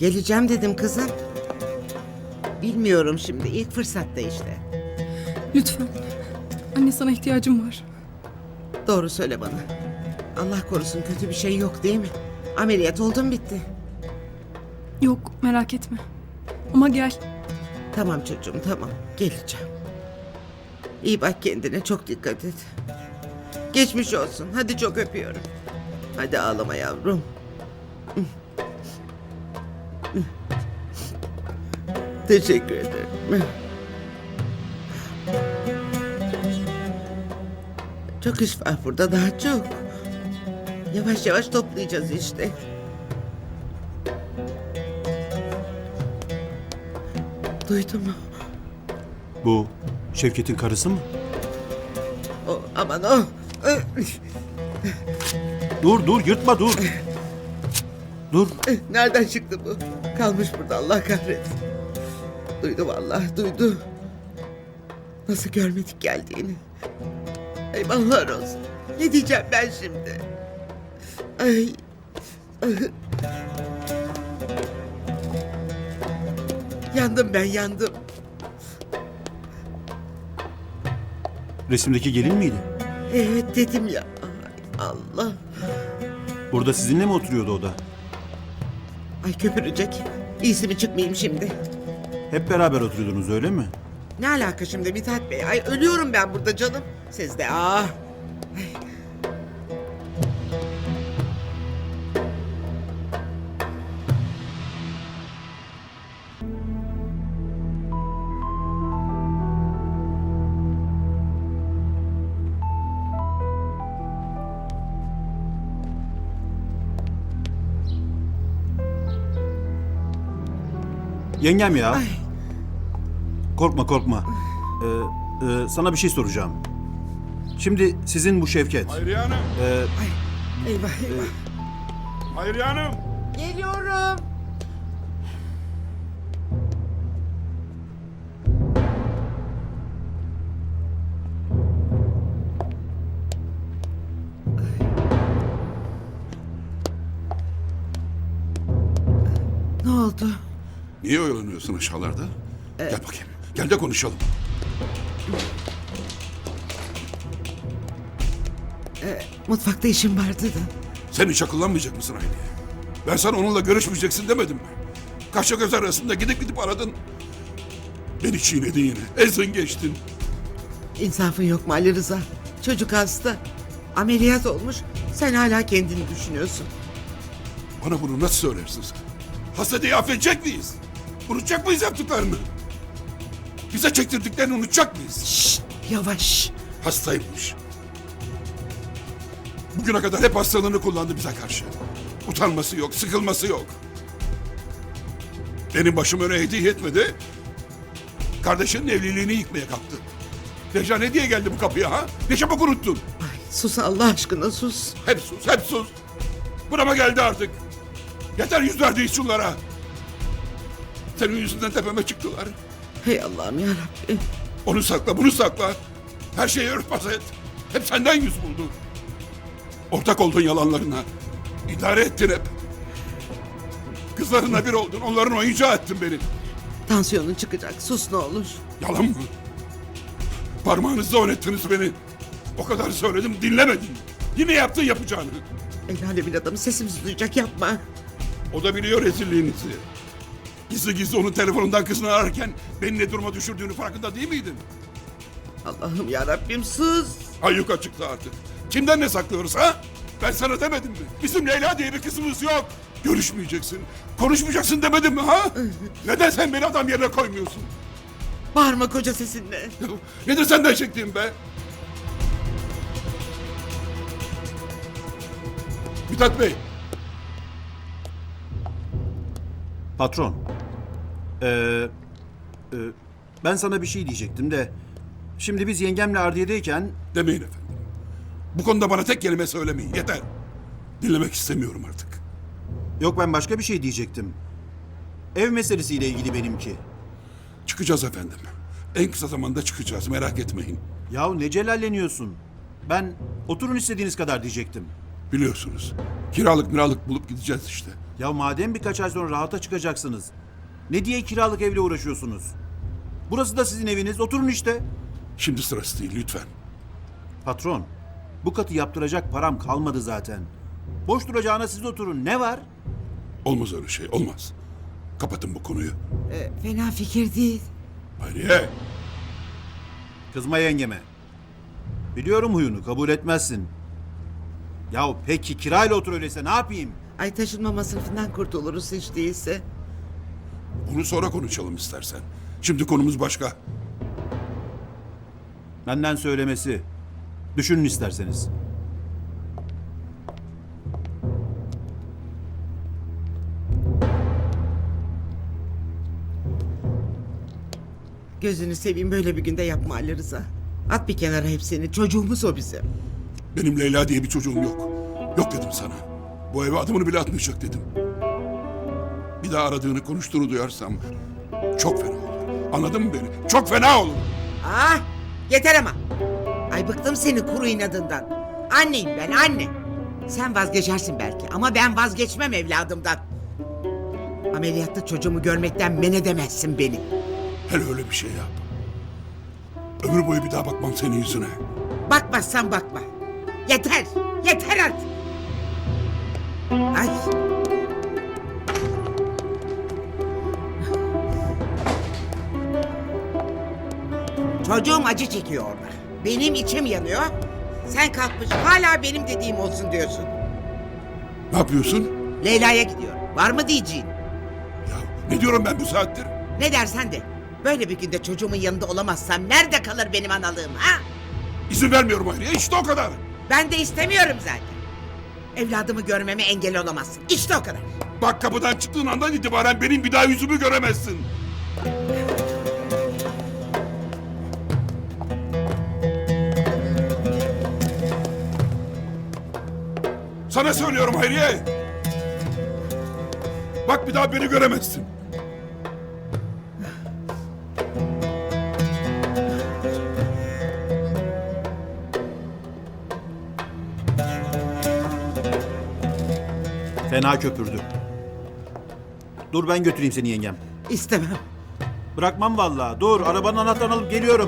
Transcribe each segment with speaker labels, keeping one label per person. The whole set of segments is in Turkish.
Speaker 1: Geleceğim dedim kızım. Bilmiyorum şimdi, ilk fırsatta işte.
Speaker 2: Lütfen. Anne, sana ihtiyacım var.
Speaker 1: Doğru söyle bana. Allah korusun, kötü bir şey yok değil mi? Ameliyat oldun, bitti.
Speaker 2: Yok, merak etme. Ama gel.
Speaker 1: Tamam çocuğum, tamam. Geleceğim. İyi bak kendine, çok dikkat et. Geçmiş olsun. Hadi, çok öpüyorum. Hadi ağlama yavrum. Teşekkür ederim. Çok iş var burada, daha çok. Yavaş yavaş toplayacağız işte. Duydun mu?
Speaker 3: Bu Şevket'in karısı mı?
Speaker 1: O, aman o.
Speaker 3: Dur yırtma dur. Dur.
Speaker 1: Nereden çıktı bu? Kalmış burada, Allah kahretsin. Duydu vallahi, duydu. Nasıl görmedik geldiğini. Eyvallah olsun. Ne diyeceğim ben şimdi? Ay. Yandım ben, yandım.
Speaker 3: Resimdeki gelin miydi?
Speaker 1: Evet dedim ya. Ay Allah.
Speaker 3: Burada sizinle mi oturuyordu o da?
Speaker 1: Ay köpürecek. İyisi mi çıkmayayım şimdi?
Speaker 3: Hep beraber oturuyordunuz öyle mi?
Speaker 1: Ne alaka şimdi Mithat Bey? Ay ölüyorum ben burada canım. Siz de
Speaker 3: Yengem ya.
Speaker 1: Ay.
Speaker 3: Korkma. Sana bir şey soracağım. Şimdi sizin bu Şevket.
Speaker 4: Hayriye Hanım!
Speaker 1: Eyvah eyvah.
Speaker 4: Hayriye Hanım!
Speaker 1: Geliyorum. Ne oldu?
Speaker 4: Niye oyalanıyorsun aşağılarda? Gel bakayım. Gel de konuşalım.
Speaker 1: Mutfakta işim vardı da.
Speaker 4: Sen hiç akıllanmayacak mısın Hayriye? Ben sana onunla görüşmeyeceksin demedim mi? Kaşla göz arasında gidip aradın. Beni çiğnedin yine. Ezdin geçtin.
Speaker 1: İnsafın yok mu Ali Rıza? Çocuk hasta. Ameliyat olmuş. Sen hala kendini düşünüyorsun.
Speaker 4: Bana bunu nasıl söylersin sen? Hasta diye affedecek miyiz? Unutacak mıyız yaptıklarını? Bize çektirdiklerini unutacak mıyız?
Speaker 1: Şşt, yavaş.
Speaker 4: Hastaymış. Bugüne kadar hep hastalığını kullandı bize karşı. Utanması yok, sıkılması yok. Benim başım öne hediye etmedi. Kardeşinin evliliğini yıkmaya kalktı. Deja ne diye geldi bu kapıya ha? Ne çabuk unuttun?
Speaker 1: Ay, sus Allah aşkına sus.
Speaker 4: Hep sus. Burama geldi artık. Yeter yüz verdiği şunlara. Senin yüzünden tepeme çıktılar.
Speaker 1: Hey Allah'ım yarabbim.
Speaker 4: Onu sakla, bunu sakla. Her şeyi örtbas et. Hep senden yüz buldu. Ortak oldun yalanlarına. İdare ettin hep. Kızlarına bir oldun. Onların oyuncağı ettin beni.
Speaker 1: Tansiyonun çıkacak. Sus ne olur.
Speaker 4: Yalan mı? Parmağınızla oynattınız beni. O kadar söyledim, dinlemedin. Yine yaptın yapacağını.
Speaker 1: El alemin adamı sesimizi duyacak, yapma.
Speaker 4: O da biliyor rezilliğinizi. Gizli onun telefonundan kızını ararken beni ne duruma düşürdüğünü farkında değil miydin?
Speaker 1: Allah'ım yarabbim sus.
Speaker 4: Ayyuka açıktı artık. Kimden ne saklıyoruz ha? Ben sana demedim mi? Bizim Leyla diye bir kızımız yok. Görüşmeyeceksin, konuşmayacaksın demedim mi ha? Neden sen beni adam yerine koymuyorsun?
Speaker 1: Bağırma koca sesinle.
Speaker 4: Nedir senden çektiğim be? Mithat Bey,
Speaker 3: Patron. Ben sana bir şey diyecektim de. Şimdi biz yengemle Ardiye'deyken
Speaker 4: demeyin efendim. Bu konuda bana tek kelime söylemeyin, yeter. Dinlemek istemiyorum artık.
Speaker 3: yok ben başka bir şey diyecektim. Ev meselesiyle ilgili benimki.
Speaker 4: Çıkacağız efendim. En kısa zamanda çıkacağız, merak etmeyin.
Speaker 3: Yahu ne celalleniyorsun? Ben oturun istediğiniz kadar diyecektim.
Speaker 4: Biliyorsunuz. Kiralık bulup gideceğiz işte.
Speaker 3: Ya madem birkaç ay sonra rahata çıkacaksınız. Ne diye kiralık evle uğraşıyorsunuz? Burası da sizin eviniz. Oturun işte.
Speaker 4: Şimdi sırası değil lütfen.
Speaker 3: Patron, bu katı yaptıracak param kalmadı zaten. Boş duracağına siz oturun. Ne var?
Speaker 4: Olmaz öyle şey, olmaz. Kapatın bu konuyu.
Speaker 1: Fena fikir değil.
Speaker 4: Hayriye,
Speaker 3: Kızma yengeme. Biliyorum huyunu, kabul etmezsin. Yahu peki kirayla otur öyleyse ne yapayım?
Speaker 1: Ay taşınma masrafından kurtuluruz hiç değilse.
Speaker 4: bunu sonra konuşalım istersen. Şimdi konumuz başka.
Speaker 3: Benden söylemesi. Düşünün isterseniz.
Speaker 1: Gözünü seveyim böyle bir günde yapma Ali Rıza. At bir kenara hepsini. Çocuğumuz o bizim.
Speaker 4: Benim Leyla diye bir çocuğum yok. Yok dedim sana. Bu eve adımını bile atmayacak dedim. Bir daha aradığını, konuştuğunu duyarsam çok fena olur. Anladın mı beni? Çok fena olur.
Speaker 1: Ah yeter ama. Ay bıktım senin kuru inadından. Anneyim ben anne. Sen vazgeçersin belki ama ben vazgeçmem evladımdan. Ameliyatta çocuğumu görmekten men edemezsin beni.
Speaker 4: Hele öyle bir şey yap. Ömür boyu bir daha bakmam senin yüzüne.
Speaker 1: Bakmazsan bakma. Yeter. Yeter artık. Ay. Çocuğum acı çekiyor orada. Benim içim yanıyor. Sen kalkmış hala benim dediğim olsun diyorsun.
Speaker 4: Ne yapıyorsun?
Speaker 1: Leyla'ya gidiyorum. Var mı diyeceğin?
Speaker 4: Ya ne diyorum ben bu saattir?
Speaker 1: Ne dersen de. Böyle bir günde çocuğumun yanında olamazsam nerede kalır benim analığım ha?
Speaker 4: İzin vermiyorum Hayriye. İşte o kadar.
Speaker 1: Ben de istemiyorum zaten. Evladımı görmeme engel olamazsın. İşte o kadar.
Speaker 4: Bak kapıdan çıktığın andan itibaren benim bir daha yüzümü göremezsin. Sana söylüyorum Hayriye. Bak bir daha beni göremezsin.
Speaker 3: Fena köpürdü. Dur ben götüreyim seni yengem.
Speaker 1: İstemem.
Speaker 3: Bırakmam vallahi. Dur arabanın anahtarını alıp geliyorum.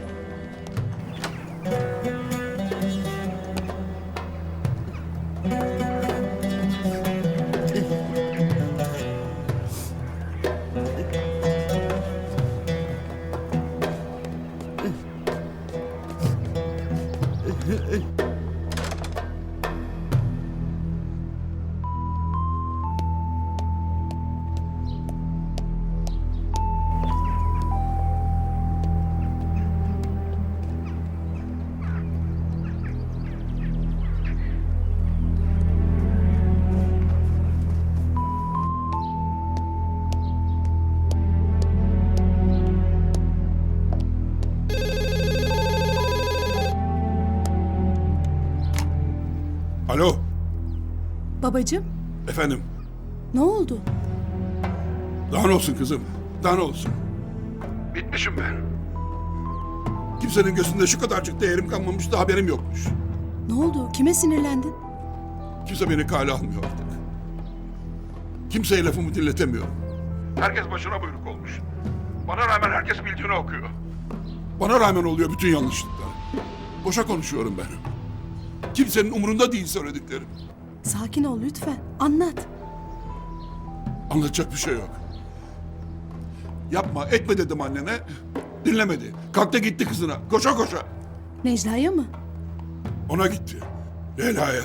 Speaker 4: Alo.
Speaker 2: Babacığım,
Speaker 4: Efendim.
Speaker 2: ne oldu?
Speaker 4: Daha ne olsun kızım? Daha ne olsun? Bitmişim ben. Kimsenin gözünde şu kadarcık değerim kalmamış da haberim yokmuş.
Speaker 2: Ne oldu? Kime sinirlendin?
Speaker 4: Kimse beni kale almıyor artık. Kimseye lafımı dinletemiyorum. Herkes başına buyruk olmuş. Bana rağmen herkes bildiğini okuyor. Bana rağmen oluyor bütün yanlışlıklar. Boşa konuşuyorum ben. Kimsenin umurunda değil söylediklerim.
Speaker 2: Sakin ol lütfen. Anlat.
Speaker 4: Anlatacak bir şey yok. Yapma, etme dedim annene. Dinlemedi. Kalktı gitti kızına. Koşa koşa.
Speaker 2: Necla'ya mı?
Speaker 4: Ona gitti. Leyla'ya.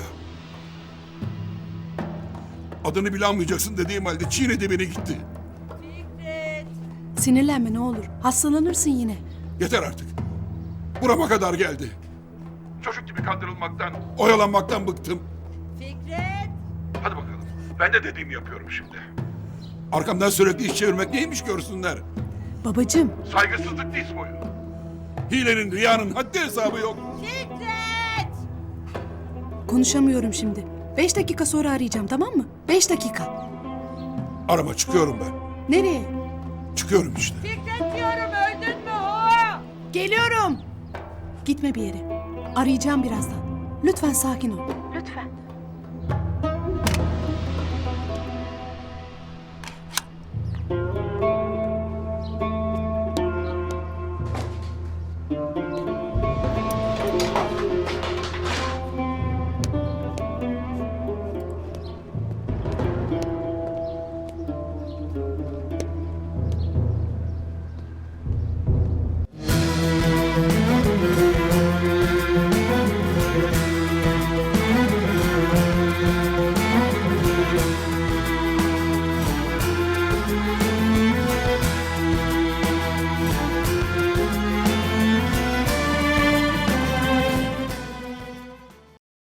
Speaker 4: Adını bile anmayacaksın dediğim halde çiğnedi beni gitti.
Speaker 2: Sinirlenme ne olur. Hastalanırsın yine.
Speaker 4: Yeter artık. Burama kadar geldi. Çocuk gibi kandırılmaktan, oyalanmaktan bıktım.
Speaker 5: Fikret!
Speaker 4: Hadi bakalım. Ben de dediğimi yapıyorum şimdi. Arkamdan sürekli iş çevirmek neymiş görsünler.
Speaker 2: Babacığım,
Speaker 4: Saygısızlık diz boyu. Hilenin, riyanın haddi hesabı yok.
Speaker 5: Fikret!
Speaker 2: konuşamıyorum şimdi. 5 dakika sonra arayacağım, tamam mı? 5 dakika.
Speaker 4: Arama çıkıyorum ben.
Speaker 2: Nereye?
Speaker 4: Çıkıyorum işte.
Speaker 5: Fikret diyorum öldün mü ho?
Speaker 2: Geliyorum. Gitme bir yere. Arayacağım birazdan. Lütfen sakin ol. Lütfen.